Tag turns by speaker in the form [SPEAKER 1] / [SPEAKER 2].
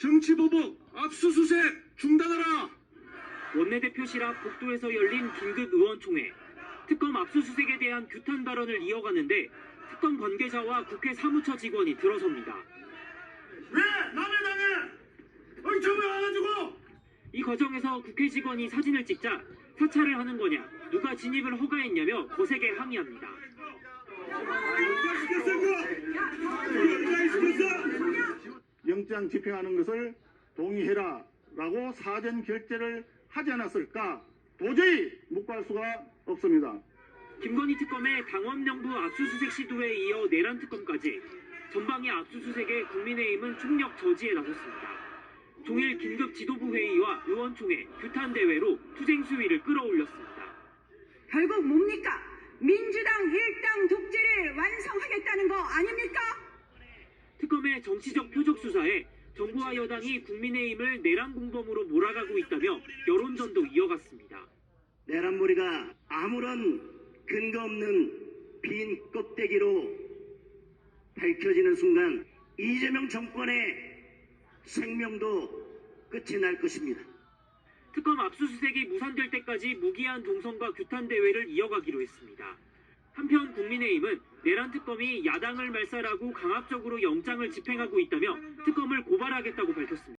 [SPEAKER 1] 정치보복 압수수색 중단하라.
[SPEAKER 2] 원내대표실 앞 복도에서 열린 긴급 의원총회. 특검 압수수색에 대한 규탄 발언을 이어가는데 특검 관계자와 국회 사무처 직원이 들어섭니다.
[SPEAKER 1] 왜 남의 당에 의청을 와가지고?
[SPEAKER 2] 이 과정에서 국회 직원이 사진을 찍자 사찰을 하는 거냐, 누가 진입을 허가했냐며 거세게 항의합니다.
[SPEAKER 3] 영장 집행하는 것을 동의해라 라고 사전 결재를 하지 않았을까 도저히 묵과할 수가 없습니다.
[SPEAKER 2] 김건희 특검의 당원명부 압수수색 시도에 이어 내란 특검까지 전방의 압수수색에 국민의힘은 총력 저지에 나섰습니다. 종일 긴급 지도부 회의와 의원총회, 규탄대회로 투쟁 수위를 끌어올렸습니다.
[SPEAKER 4] 결국 뭡니까? 민주당 일당 독재를 완성하겠다는 거 아닙니까?
[SPEAKER 2] 특검의 정치적 표적 수사에 정부와 여당이 국민의힘을 내란 공범으로 몰아가고 있다며 여론전도 이어갔습니다.
[SPEAKER 5] 내란몰이가 아무런 근거 없는 빈 껍데기로 밝혀지는 순간 이재명 정권의 생명도 끝이 날 것입니다.
[SPEAKER 2] 특검 압수수색이 무산될 때까지 무기한 동성과 규탄대회를 이어가기로 했습니다. 한편 국민의힘은 내란 특검이 야당을 말살하고 강압적으로 영장을 집행하고 있다며 특검을 고발하겠다고 밝혔습니다.